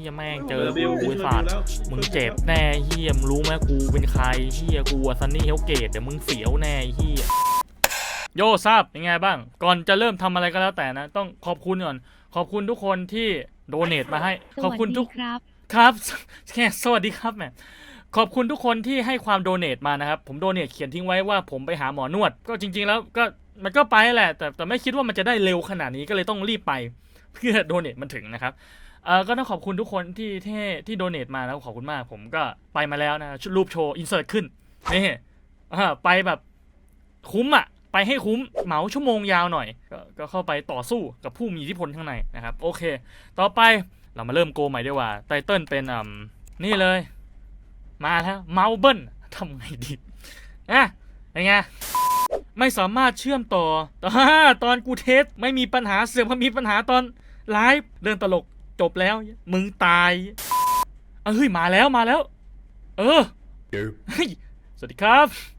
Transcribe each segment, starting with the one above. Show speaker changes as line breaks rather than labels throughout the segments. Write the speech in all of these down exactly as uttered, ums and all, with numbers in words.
ฮียแม่งเจอกูไอ้สัตว์มึงเจ็บแน่เฮียมึงรู้ไหมกูเป็นใครเฮียกูซันนี่เฮลเกตเดี๋ยวมึงเสียวแน่เฮียโยทราบเป็นไงบ้างก่อนจะเริ่มทำอะไรก็แล้วแต่นะต้องขอบคุณก่อนขอบคุณทุกคนที่โดเนทมาให้ขอบคุณทุกครับครับแค่สวัสดีครับแม่ขอบคุณทุกคนที่ให้ความโดเนทมานะครับผมโดเนทเขียนทิ้งไว้ว่าผมไปหาหมอนวดก็จริงๆแล้วก็มันก็ไปแหละแต่แต่ไม่คิดว่ามันจะได้เร็วขนาดนี้ก็เลยต้องรีบไปเพื่อโดเนทมันถึงนะครับเออก็ต้องขอบคุณทุกคนที่ที่ที่โดเนทมาแล้วขอบคุณมากผมก็ไปมาแล้วนะรูปโชว์อินเสิร์ตขึ้นนี่อ่าไปแบบคุ้มอ่ะไปให้คุ้มเหมาชั่วโมงยาวหน่อยก็ก็เข้าไปต่อสู้กับผู้มีอิทธิพลข้างในนะครับโอเคต่อไปเรามาเริ่มโกใหม่ดีกว่าไตเติ้ลเป็นอ่านี่เลยมาแล้วเมาเบิ้ลทำไงดีอ่ะยังไงไม่สามารถเชื่อมต่อตอนกูเทสไม่มีปัญหาเสื่อมมีปัญหาตอนไลฟ์เรื่องตลกจบแล้วมึงตายเอ้ยมาแล้วมาแล้วเออเฮ้ยสวัสดีครับ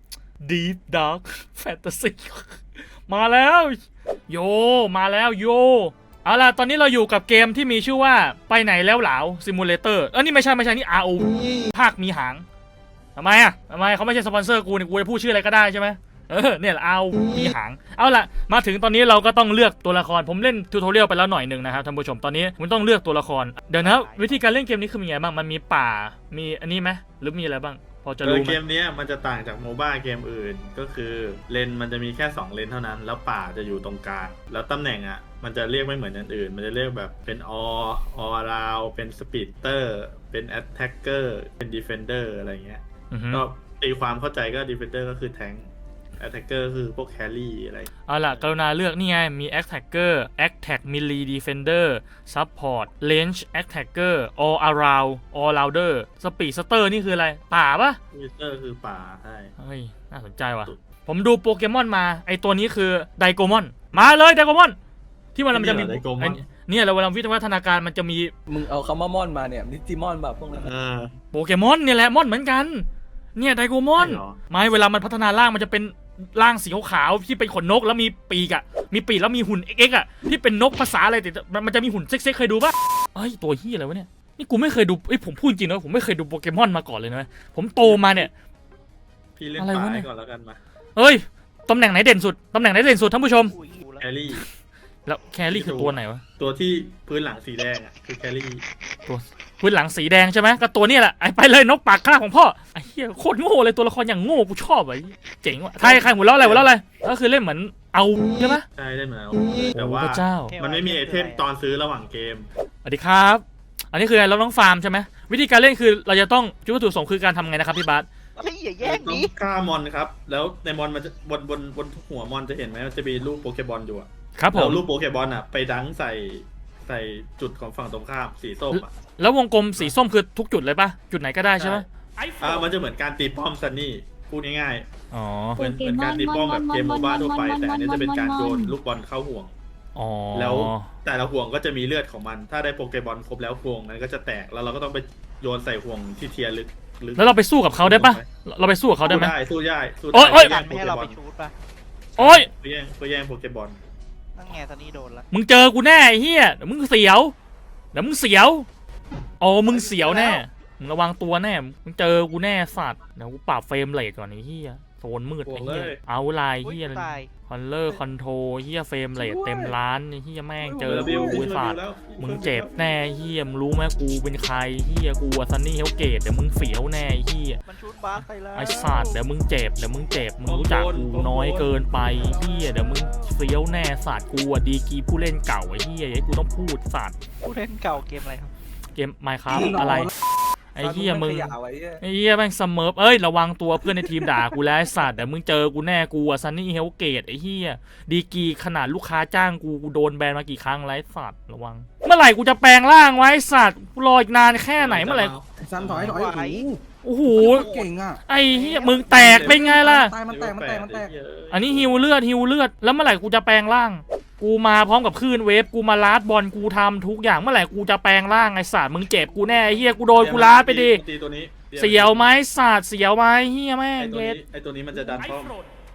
Deep Dark Fantasy มาแล้วโยมาแล้วโยเอาล่ะตอนนี้เราอยู่กับเกมที่มีชื่อว่าไปไหนแล้วเหลาซิมูเลเตอร์เออนี่ไม่ใช่ไม่ใช่นี่ อาร์ โอ ภาคมีหางทำไมอ่ะทำไมเขาไม่ใช่สปอนเซอร์กูเนี่ยกูจะพูดชื่ออะไรก็ได้ใช่ไหมเออเนี่ยเอามีหางเอาล่ะมาถึงตอนนี้เราก็ต้องเลือกตัวละครผมเล่นทูทอเรียลไปแล้วหน่อยหนึ่งนะครับท่านผู้ชมตอนนี้คุณต้องเลือกตัวละครเดี๋ยวนะวิธีการเล่นเกมนี้คือมีไงบ้างมันมีป่ามีอันนี้ไหมหรือมีอะไรบ้างพอจะรู้ไหม
เกมนี้มันจะต่างจากโมบ้าเกมอื่นก็คือเลนมันจะมีแค่สองเลนเท่านั้นแล้วป่าจะอยู่ตรงกลางแล้วตำแหน่งอ่ะมันจะเรียกไม่เหมือนอันอื่นมันจะเรียกแบบเป็นอออราวเป็นสปีดเตอร์เป็นแอตแทกเกอร์เป็นดีเฟนเดอร์อะไรเงี้ยก็ตีความเข้าใจก็ดีเฟนเดอร์ก็คือแทงค์attacker คือพวก carry อะไร
เอาล่ะกรุณาเลือกนี่ไงมี attacker attack melee defender support range attacker all around all rounder speed star นี่คืออะไรป่าปะ
speedster คือป่าใช่
เฮ้ยน่าสนใจว่ะผมดูโปเกมอนมาไอตัวนี้คือไดโกมอนมาเลยไดโกมอนที่มันมันจะมีเนี่ยเราเวลาวิวัฒนาการมันจะมี
มึงเอาคำว่ามอนมาเนี่ยดิจิมอนแบบพวกนั้น
โปเกมอนเนี่ยแหละมอนเหมือนกันเนี่ยไดโกมอนไม่เวลามันพัฒนาร่างมันจะเป็นร่างสีขาวๆที่เป็นขนนกแล้วมีปีกอะมีปีกแล้วมีหุ่นเอ็กซ์อะที่เป็นนกภาษาอะไรแต่มันจะมีหุ่นเซ็กๆเคยดูปะเอ้ยตัวเฮียอะไรวะเนี่ยนี่กูไม่เคยดูเอ้ยผมพูดจริงนะผมไม่เคยดูโปเกมอนมาก่อนเลยนะผมโตมาเนี่ย
พี่เล่นป่าก่อนแล้วกันมา
เฮ้ยตำแหน่งไหนเด่นสุดตำแหน่งไหนเด่นสุดท่านผู้ชม
แครี่
แล้วแครี่คือตัวไหนวะ
ตัวที่พื้นหลังสีแดงอ่ะคือแครี่
ตัวพื้นหลังสีแดงใช่ไหมก็ตัวนี้แหละไอ้ไปเลยนกปากคาบของพ่อไอ้เหี้ยโคตรโง่เลยตัวละครอย่างโง่กูชอบไอ้เจ๋งว่ะใครใครหัวเราะอะไรหัวเราะอะไรก็คือเล่นเหมือนเอาใช่ไหม
ใช่เล่นเหมือนเอาแต่ว่ามันไม่มีไอเทมตอนซื้อระหว่างเกม
สวัสดีครับอันนี้คือเราต้องฟาร์มใช่ไหมวิธีการเล่นคือเราจะต้องจุดวัตถุประสงค์คือการทำไงนะครับพี่บาส
อะไรอย่าแย่งนี้
ฆ่ามอนครับแล้วในมอนมันจะบนบนบนหัวมอนจะเห็นไหมมันจะมีรูปโปเกมอนอยู่อ่ะ
ครับผม
รูปโปเกมอนอ่ะไปดังใส่ใส่จุดของฝั่งตรงข้ามสีส้มอ่ะ
แล้ววงกลมสีส้มคือทุกจุดเลยปะจุดไหนก็ได้ใช่ไหม
อ่ามันจะเหมือนการตีป้อมซันนี่พูดง่าย
ๆอ๋อ
เหมือนเหมือนการตีป้อมแบบเกมโมบ้าทั่วไปแต่อันนี้จะเป็นการโยนลูกบอลเข้าห่วง
อ๋อ
แล้วแต่ละห่วงก็จะมีเลือดของมันถ้าได้โปเกมอนครบแล้วห่วงนั้นก็จะแตกแล้วเราก็ต้องไปโยนใส่ห่วงที่เทียร์ลึก
แล้วเราไปสู้กับเขาได้ปะเราไปสู้กับเขาได้ไหม
ได้สู้ได้สู้
ได้โอ๊ย
ไม่ให้เราไปชูดปะ
โอ๊ย
ไปแย่งไปแย่งโปเกมอน
นั่งแง่ตอนนี้โดนละ
มึงเจอกูแน่ไอ้เหี้ยเดี๋ยวมึงเสียวเดี๋ยวมึงเสียวโอ้มึงเสียวแน่มึงระวังตัวแน่มึงเจอกูแน่สัตว์เดี๋ยวกูปรับเฟรมเรทก่อนไอ้เหี้ยโซนมืดไอ้เหี้ยเอาลายเหี้ยคอนเลอร์คอนโทรเหี้ยเฟรมเรทเต็มล้านไอ้เหี้ยแม่งเจอกูสัตว์มึงเจ็บแน่เหี้ยมึงรู้ไหมกูเป็นใครเหี้ยกูซันนี่เฮลเกตเดี๋ยวมึงเสียวแน่เหี้ยไอ้สัตว์เดี๋ยวมึงเจ็บเดี๋ยวมึงเจ็บมึงรู้จักกูน้อยเกินไปเหี้ยเดี๋ยวมึงเสียวแน่สัตว์กูอ่ะดีกีผู้เล่นเก่าไอ้เหี้ยไอ้กูต้องพูดสัตว์
ผู้เล่นเก่าเกมอะไรครับ
เกม Minecraft อะไรไอ้เหี้ยมึงไอ้เหี้ยแม่งสเมิร์ฟเอ้ยระวังตัวเพื่อนในทีมด่ากูแล้วไอ้สัตว์เดี๋ยวมึงเจอกูแน่กูอะซันนี่เฮลเกตไอ้เหี้ยดีกีขนาดลูกค้าจ้างกูกูโดนแบนมากี่ครั้งแล้วไอ้สัตว์ระวังเมื่อไหร่กูจะแปลงร่างไว้สัตว์รออีกนานแค่ไหนเมื่อไหร่
ซันถอยถอย
โอ้โห
เก่งอ่ะ
ไอ้เหี้ยมึงแตกเป็นไงล่ะ
ตายมันแตกมันแตกมันแตก
อันนี้ฮิวเลือดฮิวเลือดแล้วเมื่อไหร่กูจะแปลงร่างกูมาพร้อมกับคลื่นเวฟกูมาลาดบอลกูทำทุกอย่างเมื่อไหร่กูจะแปลงร่างไอ้สัตว์มึงเจ็บกูแน่ไอ้เหี้ยกูโดนกูลาดไปดิเสียวไหมสัตว์เสียวไหมเหี้ยแม่ง
ไอ้ตัวนี้ไอ้ตัวนี้มันจะดันป้อม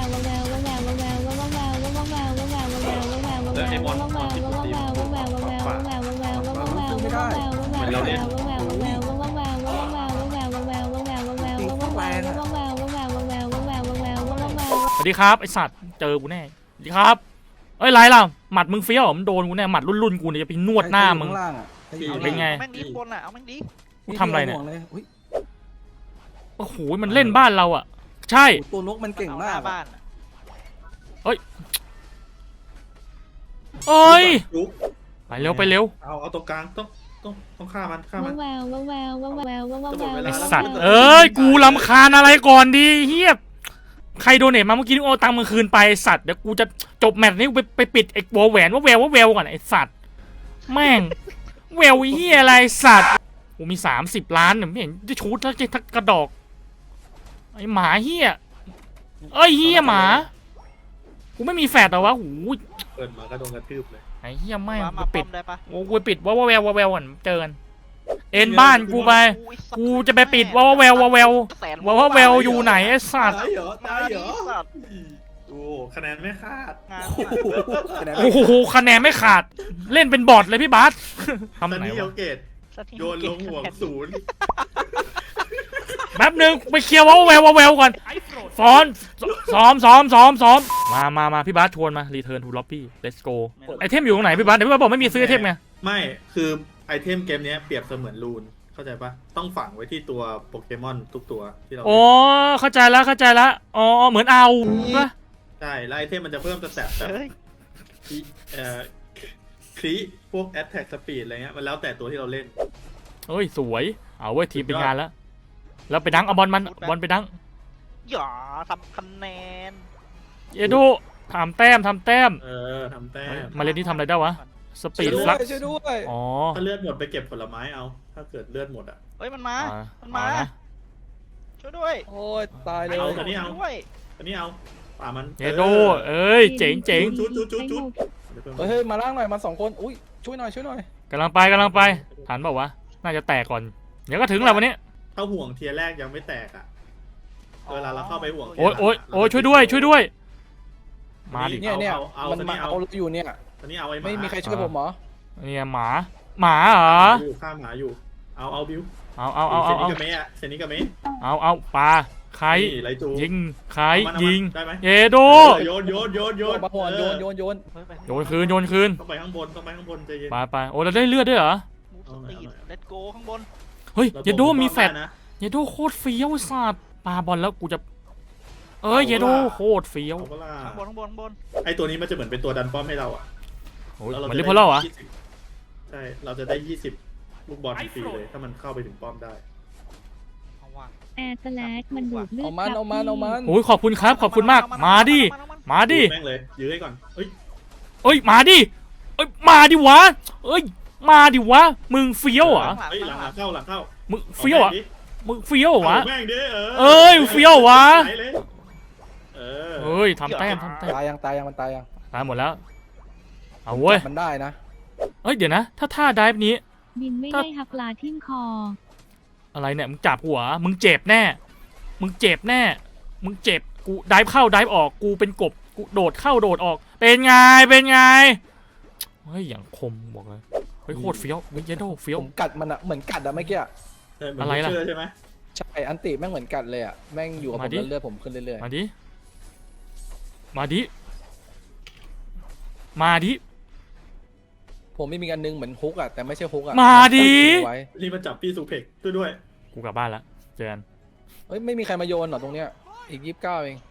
สวัสดีครับไอสัตว์เจอกูแน่สวัสดีครับเอ้ยไรล่ะหมัดมึงเฟี้ยวเหรอมันโดนกูแน่หมัดรุ่นๆกูเนี่ยจะไปนวดหน้ามึง
ข้างล่างอ่ะ
เป็นไง
แม่งดีบนอ่ะเอาแม่งดี
กูทำอะไรเนี่ย
ห่วงลอุ๊ย
โอ้โหมันเล่นบ้านเราอ่ะใช่
ตัวนกมันเก่ง
เอาห
มา
น้าก บ้านอะ
เอ้ย
ลุก
ไปเร็วไปเร็ว
เอาเอาตรงกลางต้องต้องต้องฆ่ามันฆ่ามัน
ไอสัตว์เอ้ยกูรำคาญอะไรก่อนดีเฮียใครโดเนทมาเมื่อกี้นี่โอาตังค์มึงคืนไปไอ้สัตว์เดี๋ยวกูจะจบแมตช์นี้กูไปไปปิดไอ้วอลแหวนว่าแววว่าแววก่อนไอ้สัตว์แม่งแววไอ้เฮียอะไรสัตว์กูมีสามสิบล้านเนี่ยไม่เห็นจะชูดทักทักกระดอกไอ้หมาเฮียเอ้ยเฮียหมากูไม่มีแฟดเหรอวะโอ้ย
เปิดมาก็โดนกระทืบเลย
ไอ้เฮียแม่ง
มา
กู
มา
ปิ
ป้
ด
อมได้ปะ
โอ้กูไปปิดว่าว่าแววว่าแววก่อนเจอกันเอ็นบ้านกูไปกูจะไปปิดว่าว่าแววว่าแววว่าว่าแววอยู่ไหนไอ้สัตว์
ตายเหรอ
มา
ตายเหร
ดี
อ
สัตว์
โอ้คะแนนไม่คาด
งาน
โอ้โห
โอ้โหคะแนนไม่ขาดเล่นเป็นบอทเลยพี่บาสทำ
ตอน
ไหน
นี้เอ
วะ
ลเกตโยนลงห่วงศูนย์
แป๊บนึงไปเคลียร์ว่าแววว่าแววก่อนซ้อนซ้อมซ้อมซ้อมซ้อมมามามาพี่บาสชวนมา return to lobby let's go ไอเทมอยู่ตรงไหนพี่บาสเดี๋ยวพี่บาสบอกไม่มีซื้อไอเทมไง
ไม่คือไอเทมเกมเนี้ยเปรียบเสมือนรูนเข้าใจปะต้องฝังไว้ที่ตัวโปเกมอนทุกตัวที่เรา
อ๋อเข้าใจแล้วเข้าใจแล้วอ๋อเหมือนเอาปะ
ใช่แล้วไอเทมมันจะเพิ่มสแตทแบบ
เฮ้ย
เอ่อคลีพวกแอตแทกสปีดอะไรเงี้ยมันแล้วแต่ตัวที่เราเล่น
เฮ้ยสวยเอาเว้ยทีมเป็นงานแล้วแล้วไปดังเอาบอลมันบอลไปดัง
อย่าทำคะแนน
เยโดทำแต้มทำแต้ม
เออทำแต้ม
มาเล่นที่ทำอะไรได้วะสปี
ช่วย
ด
ด้
ฟลั
วย
ก
ช่วยด้วย
อ๋อ
ถ้าเลือดหมดไปเก็บผลไม้เอา ถ้าเกิดเลือดหมดอ่ะ
เฮ้ยมันมา
อ่า
มันมา
เอานะ
ช่วยด้วย
โอ้ยตายเลย
เอาตัวนี้เอา
ช่วย
อันนี้เอาป่ามัน
เยโดเอ้ยเจ๋งเจ๋ง
จุดจุดจุดจุด
เฮ้ยเฮ้ยมาล่างหน่อยมาสองคนอุ้ยช่วยหน่อยช่วยหน่อย
กำลังไปกำลังไปทันเปล่าวะน่าจะแตกก่อนเดี๋ยวก็ถึงแล้ววันนี้
ถ้าห่วงเทียร์แรกยังไม่แตกอ่ะเวลาเราเข้าไปห่วง
โอ้ยโอ้ยโอ้ยช่วยด้วยช่วยด้วย มาดิ
เนี่ยเนี่ย
เอาเอา
มัน
ตัว
มา
นี้เอา
เอาอยู่เนี่ย
ตอนนี้เอาไอ้หมา
ไม่มีใครช่วยผมเหรอ
เนี่ยหมาหมาเหรอ
อยู่ข้ามหมาอยู่ เอาเอาบิว
เอาเอาเอา
เซ
เอา
นิ
เอา
กาเมะอะเซนิกาเมะ
เอาเอาปลาใคร
นี่ไรจู
ยิงใคร
เอามัน
ยิง
ได้ไหม
เยโด
เออโยนโยนโยนโย
โย
น
นมาหัวโยนโยนโยน
เฮ้ยไป
โยนคืนโยนคืน
ต้องไปข้างบนต้องไปข้างบนใจเย็น
ไปไปโอ้เราได้เลือดด้วยเหรอ
มูสตีดเลตโกข้างบน
เฮ้ย
รา
เยโด
ตก
มีแฟด
ได้นะ
เยโดโคตรเฟี้ยวไอ้สัตว์ปาบอลแล้วกูจะเอ้ย
เอา
เยโด
ล่ะ
โคตรเฟี้ยว
เอาเวลา
ข้างบนข้างบนข้างบน
ไอตัวนี้มันจะเหมือนเป็นตัวดันป้อมให้เราอ่ะ
โอ้ย
แล้ว
มัน
จะ
เรียกพอแล้วเหรอ
ยี่สิบใช่ เราจะได้ยี่สิบลูกบอลฟรีเลยถ้ามันเข้าไปถึงป้อมได้
เอาว่ะ
แอร์สแลกมันดูดเลือด
เอามันเอามันเอามัน
โอ้ยขอบคุณครับขอบคุณมากมาดิมาดิ
แม่งเลยยื้อให้ก่อนเอ้ย
เอ้ยมาดิเอ้ยมาดิวะเอ้ยมาดิวะมึงเฟี้ยวเหรอ
เฮ้ยหลังหลังเข้าหลังเข้า
มึงเฟี้ยวเหรอมึงเฟี้ยวเหรอวะ
เอาแม่งดิเออ
เอ้ยเฟี้ยววะ
ไหนเลยเออ
เฮ้ยทำแต้มทำแต้ม
ตายยังตายยังมันตายยัง
ตายหมดแล้วเอาเว้ย
มันได้นะ
เอ้ยเดี๋ยวนะ ถ้าท่าไดฟ์นี้
บินไม่ได้หักปลาทิ่มคอ
อะไรเนี่ยมึงจับหัวมึงเจ็บแน่ มึงเจ็บแน่ มึงเจ็บกูไดฟ์เข้าไดฟ์ออกกูเป็นกบกูโดดเข้าโดดออก เป็นไงเป็นไงเฮ้ยอย่างคมบอกเลยเฮ้ยโคตรเฟี้ยวเฮ้ยเยโดเฟี้ยว
ผมกัดมันอะเหมือนกัดอะเมื่อกี้อะ
ใช่เหมืน
อะไรล่ะ
เชื่ใช่ไหม
ใช่อันติแม่งเหมือนกัดเลยอะแม่งอยู่กับผม
มาดิ
แล้วเลือดผมขึ้นเรื่อย
มาดิมาดิมาดิ
ๆผมไม่มีอันนึงเหมือนฮุกอะแต่ไม่ใช่ฮุกอะ
มาดิ
ไว้
รีบมาจับพี่สุเพกด้วยด้วย
กูกลับบ้านละเจอกัน
เฮ้ยไม่มีใครมาโยนเหรอตรงเนี้ยอีกยี่สิบเก้าเอง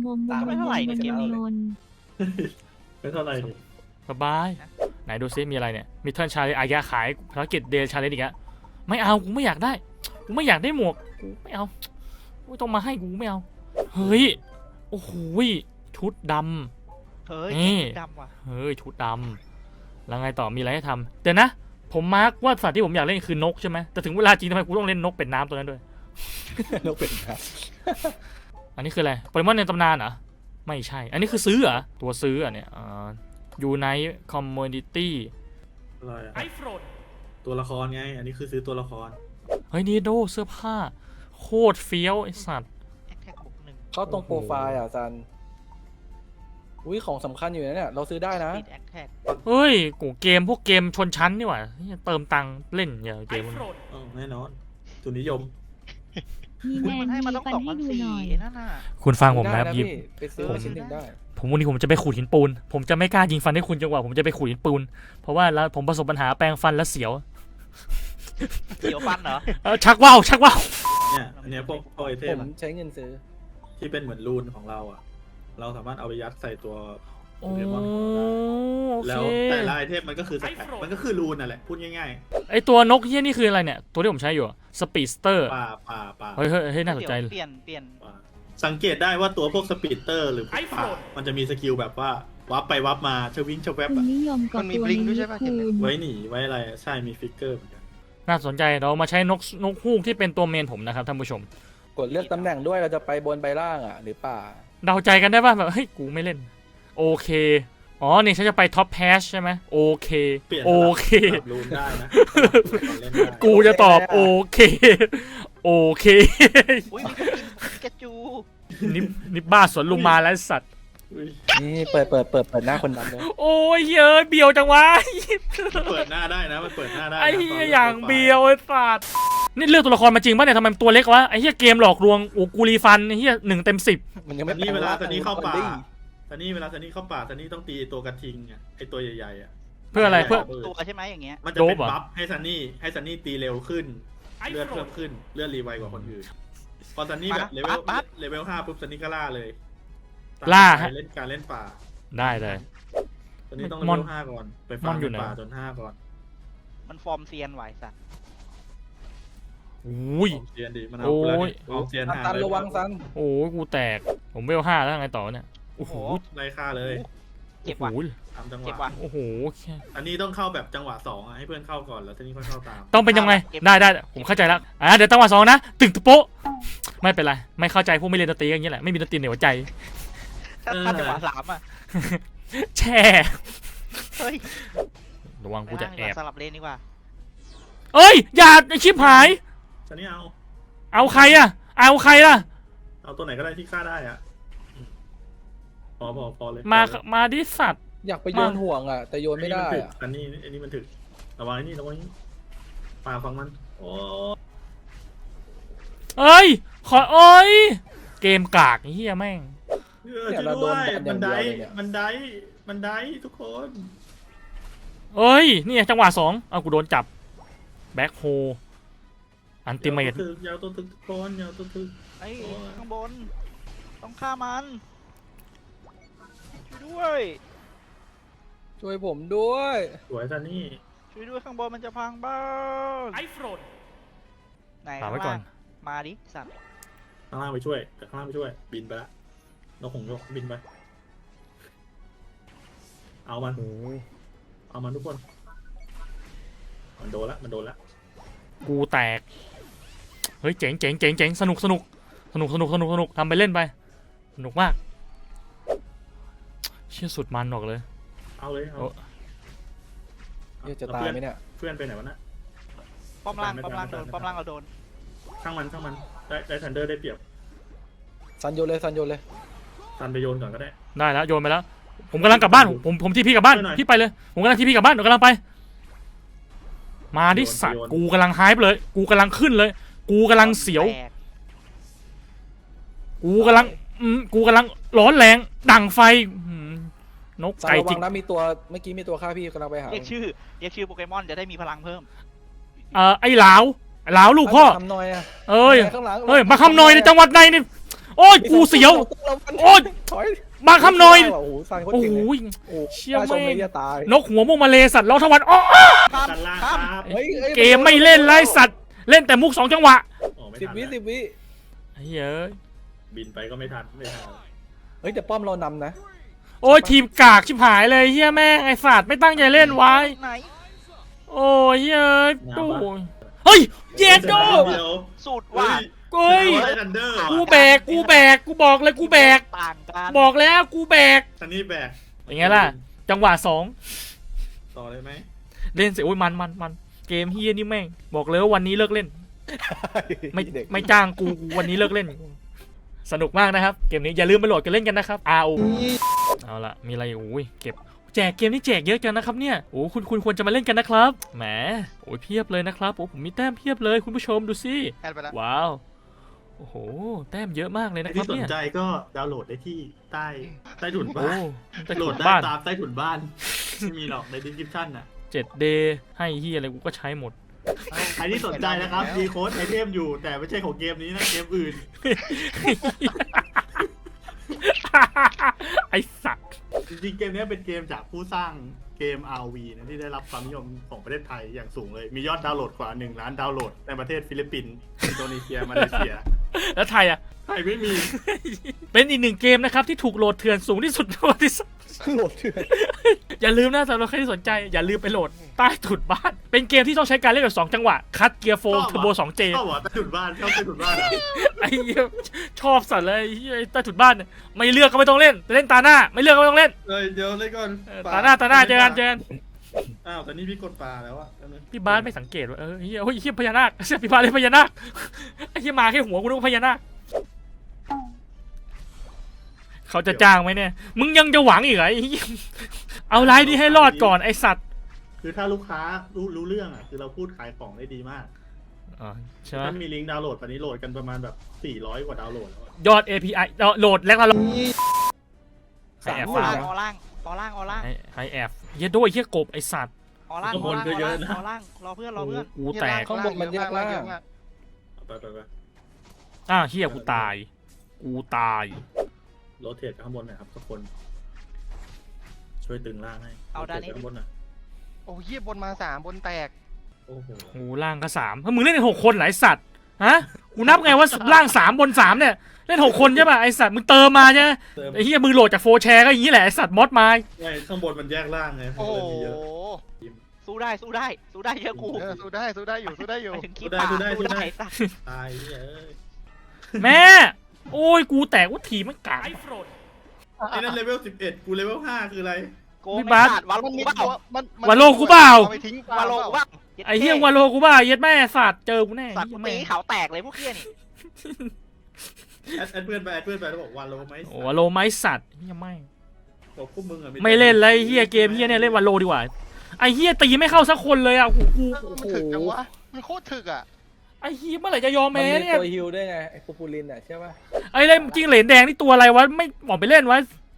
งงงงงงงงงง
ไม่เท่าไหร่ดิ
สบาย ไหนดูซิมีอะไรเนี่ยมีเทิร์นชาเลนจ์อายาขายภารกิจเดลชาเลนจ์อีกแล้วไม่เอากูไม่อยากได้กูไม่อยากได้หมวกกูไม่เอาไม่ต้องมาให้กูไม่เอาเฮ้ยโอ้โหชุดดำ
เฮ้ย
นี่
ดำว่ะ
เฮ้ยชุดดำแล้วไงต่อมีอะไรให้ทำเดี๋ยวนะผมมาร์กว่าสัตว์ที่ผมอยากเล่นคือนกใช่ไหมแต่ถึงเวลาจริงทำไมกูต้องเล่นนกเป็ดน้ำตัวนั้นด้วย
นกเป็นครับ
อันนี้คืออะไรโปเกมอนในตำนานเหรอไม่ใช่ อันนี้คือซื้อเหรอตัวซื้ออ่ะเนี่ยยูไนต์คอมมูนิตี้
อะไรอะ
ไอโฟน
ตัวละครไง อันนี้คือซื้อตัวละคร
เฮ้ยนี่โดเสื้อผ้าโคตรเฟี้ยวไอสัตว์
แอคแท็กบวกหนึ่ง
เข้าตรงโปรไฟล์อ่ะซันอุ้ยของสำคัญอยู่นะเนี่ยเราซื้อได้นะ
ติดแอคแท็ก
เฮ้ยกูเกมพวกเกมชนชั้นนี่หว่าเติมตังค์เล่นอย่าเกมมัน
เออแน่นอนทุนนิยม
มีแม
อุ๊ยมัน
น
ให้มา
มี
ต้อง
ปัน
สอง
ให้
พัน
ดู
สี่
หน่อย
นั่นน่ะ
คุณฟังผม
ได้
นะ
นะ
หยิบ
พี่ไปซื้อมาชิ้นหนึ่งได้
ผมวันนี้ผมจะไปขูดหินปูน ผมจะไม่กล้ายิงฟันให้คุณจนกว่าผมจะไปขูดหินปูน เพราะว่าแล้วผมประสบปัญหาแปลงฟันแล้วเสียว
เสียวฟันเหรอ
เออชักว่าวชักว่าว
เนี่ย อันเนี้ยพวกพวกไอเท
ผม มใช้เงินซื้อ
ที่เป็นเหมือนรูนของเราอ่ะ เราสามารถเอาไปยัดใส่ตัวโป
โอ้
เกมอน
โอ
แล้
เคว
แต่ละไอเทมมันก็คือสแต็กมันก็คือรูนนั่นแหละ พูดง่าย
ไอตัวนกเฮี้ยนี่คืออะไรเนี่ย ตัวที่ผมใช้อยู่สปีดสเตอร์
ๆ ป่าป่าป่า
เฮ้ยเฮ้ยเฮ้ยน่าสนใจ
เดี๋ยวเปลี่ยนเปลี่ยน
ป่าสังเกตได้ว่าตัวพวกสปีดเตอร์หรือพวกป่ามันจะมีสกิลแบบว่าวับไปวับมาชวิ่งชแวบ
คุณ
อะ
นิยมกับตัวนี้คูณ
ไว้หนีไว้อะไรอะใช่มีฟิกเกอร์เหมือนกัน
น่าสนใจเรามาใช้นกนกฮูกที่เป็นตัวเมนผมนะครับท่านผู้ชม
กดเลือกตำแหน่งด้วยเราจะไปบนไปล่างอ่ะ หรือป่า
เดาใจกันได้ป่ะแบบเฮ้ยกูไม่เล่น โอเค อ๋อนี่ฉันจะไปท็อปแพชใช่ไหมโอเค
เปลี่ยน
โอเค
สลับรูนได้นะเล่นได้
กูจะตอบโอเค โอเค
อุ้ยมีสกินปิกาจู
นี่นี่บ้าสวนลุมมาแล้วไอ้สัตว์
อุ๊ย
นี่เปิดเปิดเปิดเปิดหน้าคนดำเลย
โอ้ยเฮ้ยเบียวจังวะ
มันเปิดหน้าได้นะมันเปิดหน้าได้นะ
ไอ้เหี้
ต
ย
น
อย่างเบียวไอ้สัตว์นี่เลือกตัวละครมาจริงป่ะเนี่ยทำไมมันตัวเล็กวะไอ้เหี้ยเกมหลอกลวงโอ้กูรีฟันไอ้เหี้ยหนึ่งเต็มสิบ
มันยัง
ต
ไม่
อนนี้เวลาตอนนี้เข้าป่า
ดิ
ตอนนี้เวลาตอนนี้เข้าป่าตอนนี้ต้องตีตัวกระทิงอ่ะไอตัวใหญ่ๆอ่ะ
เพื่ออะไรเพื่อ
ตัวใช่ไหมอย่างเงี้ย
มันจะเป็น
โดปเหรอ
บัฟให้ซันนี่ให้ซันนี่ตีเร็วขึ้น เลือดเพิ่มขึ้นเลือดรีไวกว่าคนอื่นพอซันนี่แบบเลเวลเลเวลห้าปุ๊บซันนี่ก็ล่าเลยตม
ล่า
สไตล์เล่นการเล่นป่า
ได้เลย
ซันนี่ต้องเล
มอน
เวลห้าก่อนไป
ม
ฟา
อ
ร์
น
ม
อยู่
ใน
ไหน
ป่าจนห้าก่อน
มันฟอร์มเซียนไหวสัตว์
อุ้ย
ออมเซียนดิมันเอา
โอ้ย
แล้วนี่ออมเซียนหา
ซัน
เลย
ระวังซัน
โอ้ยกูแตกผมเวลห้าแล้วไงต่อเนี่ยโอ้โห
ไล่ฆ่าเลย
เจ็บว่ะ
โอ้โห
ตามจังห
เจ็บ
วะ
ว่ะ
โอ้โห
อันนี้ต้องเข้าแบบจังหวะสองอะให้เพื่อนเข้าก่อนแล้วซันนี่ค่อยเข้าตาม
ต้องเป็นยังไง
เก็บ
ได้ได้ผมเข้าใจแล้วอ่ะเดี๋ยวตั้งวันสองนะตึงตะโป๊ะไม่เป็นไรไม่เข้าใจพวกไม่เรียนดนตรีอย่างเงี้ยแหละไม่มีดนตรีในหัวใจ
ถ้าถ้าจังหวะสามอ่ะ
แช่
เฮ้ย
ระวังกูจะ
ไป
แอ
ล่างดีก
บ
ว่าสลับเลนดีกว่า
เอ้ยอย่าไอ้ชิบหาย
ซันนี่เอา
เอาใครอะเอาใครล่ะ
เอาตัวไหนก็ได้ที่ฆ่าได้อะพอพอพอเลย
มา
พอเลย
มาดิสัตว์
อยากไปโยนห่วงอ่ะ แต่โยนไม่ได้
อันนี้
อ่ะ
อันนี้มันถึกอันนี้มันถึกระวังไอ้นี่ระวังไอ้นี่ป่าฟังมัน โอ้
เอ้ยขอเอ้ยเกมกากไอ้เฮียแม่ง
เออช่วยด้วยมันได้มันได้มันได้ทุกคน
เอ้ยนี่ไงจังหวะสองเอากูโดนจับแบ็คโฮอันติเมต
ยาวตัวถึกยาวตัวถึกทุกคนยาวตัวถึก
ไอ้ย
โอ้ย
ข้างบน ต้องฆ่ามันช่วยด้วย
ช่วยผมด้วย
สวยซันนี่
ช่วยด้วยข้างบนมันจะพังบ้าน
ไอโฟน
ไหน
ฝากไว้ก่อน
ข้งล่างมาดิสัตว์
ข้างล่างไปช่วยแต่ข้างล่างไปช่วย บินไปละนกหงส์นกบินไป เอามัน
โอ้ย
เอามันทุกคน มันโดนละ มันโดนละ
กูแตกเฮ้ยเจ๋งเจ๋งเจ๋งเจ๋งสนุกสนุกสนุกสนุกสนุกสนุกทำไปเล่นไปสนุกมากเชี่ยสุดมันบอกเลย
เอาเลย เอา
โอ้
เหี้ยจะตายไหมเนี่ย
เพื่อนไปไหนวะน่ะ
ป้อมล่าง
ไม่
ป้อมล่าง
ไม่
โดน
ไม่
ป้อมล่างเราโดน
ช่างมันช่างมัน ได้ได้ทันเดอร์ได้เปรียบ
ซันโยนเลยซันโยนเลย
ทันไปโยนก่อนก็ได้
ได้แล้วโยนไปแล้วผมกำลังกลับบ้านผมผมผมที่พี่กลับบ้าน
ช่วยหน่อย
พี่ไปเลยผมกำลังที่พี่กลับบ้านเดี๋ยวกำลังไป มาดิสัตว์
โยน
กูกำลังไฮป์เลย กูกำลังขึ้นเลย กูกำลังเสียว
แตก
กูกำลังอืมกูกำลังร้อนแรงดั่งไฟอืมนก
ซัน
ไก่
ระวั
จิก
งนะมีตัวเมื่อกี้มีตัวฆ่าพี่กำลังไปหา
เรียกชื่อเรียกชื่อโปเกมอนจะได้มีพลังเพิ่ม
เอ่อไอ้หลาวไอ้หลาวลูกพ่อ
ทำหน่อยอะ
เอ้ย
ข้างหลัง
เอ้ยมาคำนอยในจังหวัดใดนี่โอ้ยกูเสียว โอ๊ย
ถอย
มาคำนอย
โอ้โหซันเขา
โอ้
เก่ง
โห
เลย
ย
โอ้
เชี่ย
น่าชม
แม่ง
เลยจะตาย
นกหัวมุกมาเลสัตว์ล้อทวันอ้อ
ข้าม
ด้านล่าง
ข้าม
ครับ
เฮ้ยอ้ย
เกมไม่เล่นไรสัตว์เล่นแต่มุกสองจังหวะ
โอ้ไม่
สิบ
ทัน
วิ
ละ
สิบวิ
เฮ้ยเอ้ย
บินไปก็ไม่ทัน ไม่ทัน
เฮ้ยแต่ป้อมเรานำนะ
โอ้ยทีมกากชิบหายเลยเฮียแม่งไอ้สัตว์ไม่ตั้งใจเล่นไว้
ไหน
โอ้ยเฮ้ยตู้เฮ้ยเย็ดโด
เดี๋ยว
สูตร
เฮ้
ว่าย
เฮ้ย
ได้ทันเดอร์
กูแบกกูแบกกูบอกเลยกูแบก
ต่างกัน
บอกแล้วกูแบก
ทันนี่แบก
อย่างไงล่ะ จังหวะสอง
ต่อเลยไหม
เล่นเสียโอ้ยมันมันมันเกมเฮียนี่แม่ง บอกเลยว่าวันนี้เลิกเล่น ไม่
เด็ก
ไม่จ้างกูกูวันนี้เลิกเล่น สนุกมากนะครับ เกมนี้อย่าลืมไปโหลดกันเล่นกันนะครับ อาร์ โอ เอาละมีอะไรโอ้ยเก็บแจกเกมนี่แจกเยอะจังนะครับเนี่ยโอ้คุณคุณควรจะมาเล่นกันนะครับแหมโอ้ยเพียบเลยนะครับโอ้ผมมีแต้มเพียบเลยคุณผู้ชมดูสิ
แอดไปแล้ว
ว้าวโอ้โหแต้มเยอะมากเลยนะครั
ที่
บ
สน
เนี่ย
ใจก็ดาวน์โหลดได้ที่ใต้ใต้ถุน
โอ้
บ้าน
แต่
โหล
ถู
ด
ก
ได้
บ้าน
ตามใต้ถุนบ้าน ไม่มีหรอกใน description น่ะ
เจ็ดเดย์ให้เฮียอะไรกูก็ใช้หมมด
ใครที่สนใจนะครับมีโค้ดไอเทมอยู่ แต่ไม่ใช่ของเกมนี้นะเกมอื่น
ไอสัตว์
จริงๆ เกมนี้เป็นเกมจากผู้สร้างเกม อาร์ วี นะที่ได้รับความนิยมของประเทศไทยอย่างสูงเลย มียอดดาวน์โหลดกว่าหนึ่งล้านดาวน์โหลดในประเทศฟิลิปปินส์อินโดนีเซีย มาเลเซีย
แล้วไทยอ่ะ
ไทยไม่มี
เป็นอีกหนึ่งเกมนะครับที่ถูกโหลดเถื่อนสูงที่สุดในประวัติศาสตร์
โหลดเถื่อน
อย่าลืมนะสำหรับใครที่สนใจอย่าลืมไปโหลดใต้ถุนบ้าน เป็นเกมที่ต้องใช้การเล่นแบบสองจังหวะคัดเกียร์โฟม
ชอบ
เทอร์โบ
อ่ะ
สองเจ
ชอบเหรอใต้ถุนบ้านชอบใต้ถุนบ้านเหรอ
ไอ้เหี้ยชอบสัตว์เลยไอ้เหี้ยใต้ถุนบ้านเนี่ยไม่เลือกก็ไม่ต้องเล่นแต่เล่นตาหน้า ไม่เลือกก็ไม่ต้องเล่น
เอ้ยเดี๋ยวเล่นก่อน
เออตาหน้าตาหน้าเจอกันเจอกัน
อ้าวแต่นี่พี่กดปลาแล้วอะแป๊บนึง
พี่บาสไม่สังเกตว่าเออเฮียโอ้ยเฮียพญานาคเสียพี่บาสเลยพญานาคไอ้เฮียมาแค่หัวกูนึกว่าพญานาคเขาจะจ้างไหมเนี่ยมึงยังจะหวังอีกเหรอไอ้เหี้ยเอาไลน์นี้ให้รอดก่อนไอสัตว์
คือถ้าลูกค้ารู้รู้เรื่องอะคือเราพูดขายของได้ดีมาก
อ๋อใช่ไหม
ถ้ามีลิงก์ดาวน์โหลดตอนนี้โหลดกันประมาณแบบสี่ร้อยกว่าดาวน์โหลดแล้วอะ
ยอด เอ พี ไอ โหลดแล้วก็
สาม
แอบ
ค
อน อล่าง
นะ
ออล่างออล่างออล่าง
ไอไอแอบเฮียโดยเฮียกบไอสัตว์
ออล่างออล่างออล่างออล่างรอเพื่อนรอเพื่อน
กูแตก
ข้างบนมันแยกล่าง
เอาไปไปไป
อ่ะเฮียกูตายกูตาย
โรเทตข้างบนหน่อยครับทุกคน ช่วยตึงล่างให้
เอาด้านนี้
โรตทไปข้างบนหน่อย
โอ้เหี้ยบนมาสามบนแตก
โอ้โห
กูล่างก็สามถ้ามึงเล่นในหกคนเหรอไอสัตว์ฮะกูนับไงว่าล่างสามบนสามเนี่ยเล่นหกคนใช่ป่ะไอสัตว์มึงเติมมาใช่ไหม
เติม
ไอ้เหี้ยมือโหลดจากโฟร์แชร์ก็อย่างนี้แหละไอ้สัตว์มอดมา
ไงข้างบนมันแยกล่างไง
โอ้โห
เลยมีเยอะ
สู้ได้สู้ได้สู้ได้เยอะกู
เออสู้ได้สู้ได้อยู่สู้ได้อยู่
ไปถึงขี้ป่าสู้ได้สัตว์
ตายเอ้ย
แม่ โอ้ยกูแตกว่าทีมันกายโฟรด
ไอ้นั่นเลเวลสิบเอ็ดกูเลเวลห้าคืออะไร
โก
พี่
ไม่
บาส
ขาดวาโล
มัน
กู
มี
เปล่า
ตัวมันมัน
วาโลกูเปล่า
อไปทิ้ง
วาโลกูเปล่า
ไอ้เหี้ยวาโลกูบ้าเย็ดแม่สัตว์เจอกูแน่
สัตว์กู
เหี้ย
ตี
แม่
เขาแตกเลยพวกเหี้ยนี่
แอดแอดเพื่อนไปแอดเพื่อนไปแล้วบอกวาโลไหม
โอ้วาโลไม้สัตว์เหี้ยไม่
บอกพวกมึงอะ
ไม่เล่นเลยไอ้เหี้ยเกมเหี้ยเนี่ยเล่นวาโลดีกว่าไอ้เหี้ยตีไม่เข้าสักคนเลยอ่ะกูกู
เออ
โอ้
มัน
โห
ถึกจังวะมันโคตรถึกอ่ะ
ไอ้เหี้ยเมื่อไหร่จะยอม
มัน
แพ้
มี
เนี่ย
ตัวฮิลด้วยไงไอ้ปูปูลินอ่ะใช่ป่ะ
ไอ้เล่นจริงเหรนแดงนี่ตัวอะไรวะไม่บอกไปเล่นวะ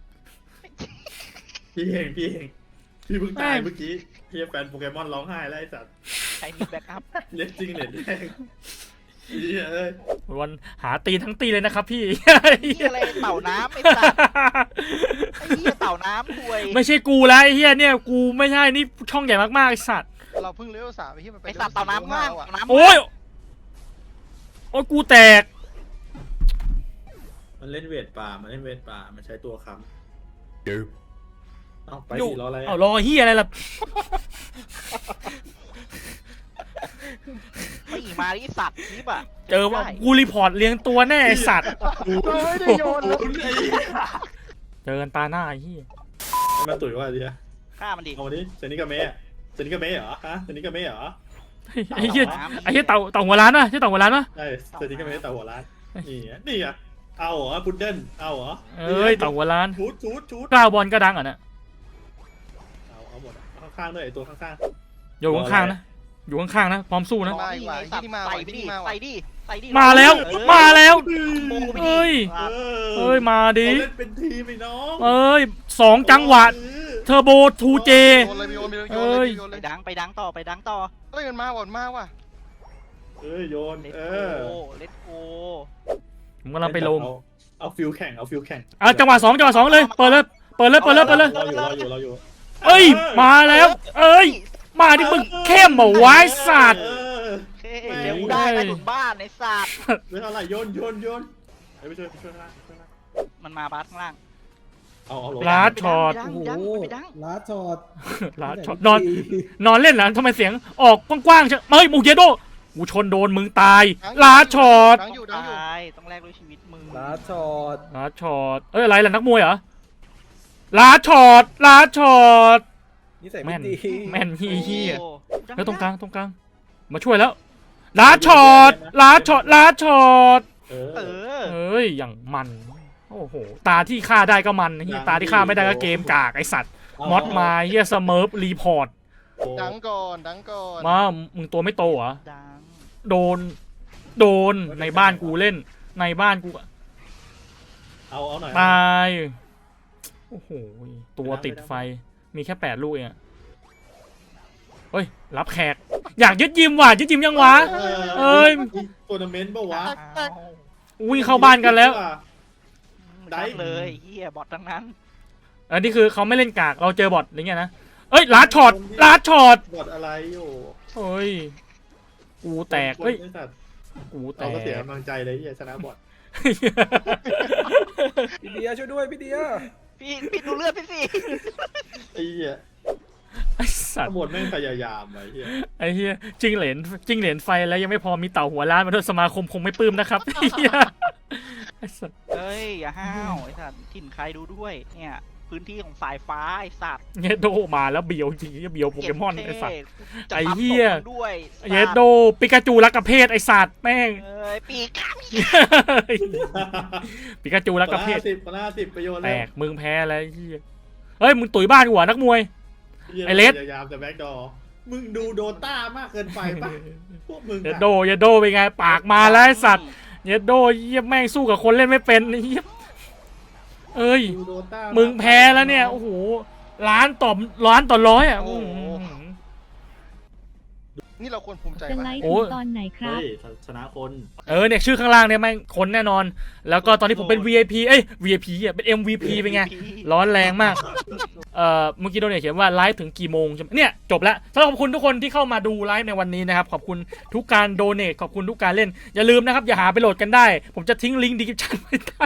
พี่เองพี่เองพี่เพิ่งตาย
แม่ง
เมื่อกี้พี่แฟนโปเกมอนร้องไห้แล้วไอ้สัตว์
ใครมีแบ็กอัพ
เล่นจริงเล่นแดงเหี้ยเอ้ย
วันหาตีนทั้งตีเลยนะครับพี่
เหี้ยอะไรเต่าน้ำไอ้สัตว์ไอ้เหี้ยเต่าน้ำถวย
ไม่ใช่กูแล้วไอ้เหี้ยเนี่ยกูไม่ใช่นี่ช่องใหญ่มากๆไอ้สัตว์
เราเพิ่งเลเวลสามไอ้เหี้ยมันไป
ไอ้สัตว์เต่าน้ำมาก
เลเวลห้
เต่าน้ำ
โอ้ยโอ้ยกูแตก
มันเล่นเวทป่ามันเล่นเวทป่ามันใช้ตัวค้ำเอาไป
อยู่
ดิรออะไร
เอารอเฮียอะไรล่ะ
ไม่มาที่สัตว์ทิปอ่ะ
เจอว่ากูรีพอร์ตเลี้ยงตัวแน่ไอ้สัตว์
เราไม่ได้โยนเลย
เจอกันตาหน้าไอ้เฮีย
มาตุ๋ยว่าดิฮะ
ฆ่ามันดิ
เอามาดิเซนิกาเมะเซนิกาเมะเหรอฮะเซนิกาเมะเหรอ
ไอ้เฮียไอ้เฮียเต่าเต่าหัวล้านวะใช่เต่าหัวล้านวะ
ใช่เซนิกาเมะแต่หัวร้านนี่ไงนี่ไงเอาเหรอพุดเดิ้ลเอาเหรอ
เอ้ยเต่าหัวล้าน
ชูดชูดชูด
กล้าวบอลก็ดังอ่ะนะ
เอาเอาหมดอะข้างๆด้วยไอตัวข้าง
อยู่ข้างๆนะอยู่ข้างๆนะพร้อมสู้นะ
มาอีกว่ะ
สัต
ที่
ว์
มา
ใส่
ว่ะ
ไปดิ
ที่มาว่ะ
ใส่ดิใส่ดิ
มาแล้ว
เออ
มาแล้ว
โมไปดิ
เอ้ย
ๆเออ
เอ้ยมาดิ
เขาเล่นเป็นทีมไอ้น้อง
เอ้ยสองจังหวะเทอร์โบทูเจ
โยนเลยโยนเลยโยน
เอ้
เลย ยโยน
ไป
เลย
ดังไปดังต่อไปดังต่อ
เฮ้ยมันมาว่ะมันมาว่ะ
เอ้ยโยน
เลต
เอ
โก
อ
เลตโก
ผมกำลังไปลง
เอาเอาฟิลแข่งเอาฟิลแข่ง
อ่ะจังหวะสองจังหวะสองเลยเปิดเลยเปิดเลยเปิดเลยเปิดเลย
รออยู่รออยู่รออยู่
เอ้ยมาแล้ว เอ้ยมาดิมึงเข้มเหรอวะไอ้สัตว์
เออ
เฮ้ยเดี๋ยวกูได้ใต้ถุนบ้านในสัตว์
เรื่องอะไรโยนโยนโยนเฮ้ยไปช่วยไปช่วยนะช่วยนะ
มันมาบาสข้างล่าง
เอาเอาลง
ลาดช็อต
ไปดัง
โอ้
ไปดัง
โห
ไปดัง
ลาช็อต
ลาดช็อตนอนนอนเล่นเหรอทำไมเสียงออกกว้างๆใช่เฮ้ยมูเยโดกูชนโดนมึงตายลาดช็อต
ดังอยู่ดังอยู่
ตายต้องแลกด้วยชีวิตมึง
ลาช็อต
ลาดช็อตเอ้ยอะไรล่ะนักมวยเหรอลาดช็อตลาดช็อต
นิสัย
แม่
ไม่
น
ดี
แม่นเฮียเฮีย
โอ้
แล้วตรงกลางตรงกลางมาช่วยแล้วลาดช็อตลาดช็อตลาดช็อต
เอ
เอ
อ
อ
เอ้ยอย่างมันโอ้โหตาที่ฆ่าได้ก็มันเฮียตาที่ฆ่าไม่ได้ก็เกมกากไอสัตว์มอดมาเฮียสเมิร์ฟรีพอร์ต
ดังก่อนดังก่อน
มามึงตัวไม่โตเหรอ
ดัง
โดน โดนในบ้านกูเล่น ในบ้านกู
เอาเอาหน่อย
ตายโอ้โหตัวติดไฟมีแค่แปดลูกเองอะเฮ้ยรับแขก อยากยึดยิมว่ะยึดยิมยังวะ เอ้ย
ทัวร์นาเมนต์ปะวะ
อ้าว
วิ่งเข้าบ้านกันแล้ว
ได้
ได้เลยเฮียบอททั้งนั้น
อันนี้คือเขาไม่เล่นกากเราเจอบอทอะไรเงี้ยนะเอ้ยลาดช็อตลาดช็อต
บอดอะไรอยู่
เฮ้ยกูแตกเฮ้ย
ไอ้สัตว์
กูแต
เรา
ก
ก็เสียกำลังใจเลยที่ชนะบอด
พี่เดียช่วยด้วยพี่เดีย
พี่พี่ดูเลือดพี่สิ
ไอ้เหี้ย
ไอ้สัต
ทั้
ว์
งหมดแม่งพยายามไอ้เหี้ย
ไอ้เหี้ยจิ้งเหลนจิ้งเหลนไฟแล้วยังไม่พอมีเต่าหัวล้านมาด้วยสมาคมคงไม่ปลื้มนะครับไอ้เหี้ยไอ้สัตว์
เฮ้ยอย่าห้าวไอ้สัตว์ถิ่นใครดูด้วยเนี่ยพื้นที่ของสายฟ้าไอ้สัตว์
เยโดมาแล้วเบียวจริงเบียวโปเกมอนไอ้สัตว์
จะ
ไอ้
ปั๊ม
เหี้ย
ศพมึงด้วยสัตว์
เยโดปิกาจูรักกระเพศไอ้สัตว์แม่ง
เอ้ยปีกข้าม
ปิกาจูรักกระเพศ
สิบคนละสิบประโยชน์
แตกมึงแพ้แล้วไอ้เหี้ยเฮ้ยมึงตุ๋ยบ้านกูเหรอนักมวย ไอ้เลส
พยายามจะแบ็กดอร์มึงดูโดต้ามากเกินไปปะพวกมึง
เย
อะ
โดเยโดเป็นไงปากมาแล้วไอ้สัตว์เยโดเยี่ยแม่งสู้กับคนเล่นไม่เป็นไอ้เหี้ยเอ้ย
ดูโดต้า
มึงแพ้แล้วเนี่ย โอ้โห ล้านต่อล้านต่อร้อยอ่ะอื้อหือ
นี่เราควรภูมิใจ
จะ
ปะ
ไลฟ์
โอ้
ถึงตอนไหนครับ
เฮ้ยชนะคน
เออเนี่ยชื่อข้างล่างเนี่ยแม่งคนแน่นอน แล้วก็ตอนนี้ผมเป็น วี ไอ พี เอ้ย วี ไอ พี อ่ะ เป็น เอ็ม วี พี เป็นไง ร้อนแรงมาก เอ่อ เมื่อกี้โดนเนี่ยเขียนว่าไลฟ์ถึงกี่โมงใช่ไหมเนี่ย จบแล้วสำหรับขอบคุณทุกคนที่เข้ามาดูไลฟ์ในวันนี้นะครับ ขอบคุณทุกการโดเนทขอบคุณทุกการเล่น อย่าลืมนะครับ อย่าหาไปโหลดกันได้ ผมจะทิ้งลิงก์ดีคริปชั่นไว้ใต้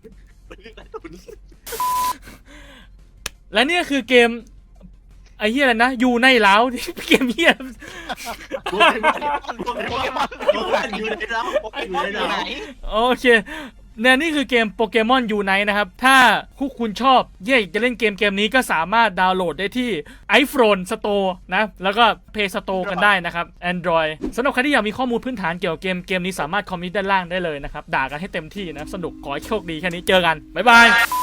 และเนี่ยคือเกมไอ้เหี้ยอะไรนะอยู่ในเล้าที่เกมเหี้ย
โปเกมอนอยู่ไหนแล้วโปเกมอนอยู่ไหน
โอเคเนี่ยนี่คือเกมโปเกมอนยูไนท์นะครับ ถ้าคู่คุณชอบเย่จะเล่นเกมเกมนี้ก็สามารถดาวน์โหลดได้ที่ iPhone Store นะ แล้วก็ Play Store กันได้นะครับ Android สำหรับใครที่อยากมีข้อมูลพื้นฐานเกี่ยวกับเกมเกมนี้สามารถคอมเมนต์ด้านล่างได้เลยนะครับ ด่ากันให้เต็มที่นะ สนุกขอให้โชคดีแค่นี้เจอกัน บ๊ายบาย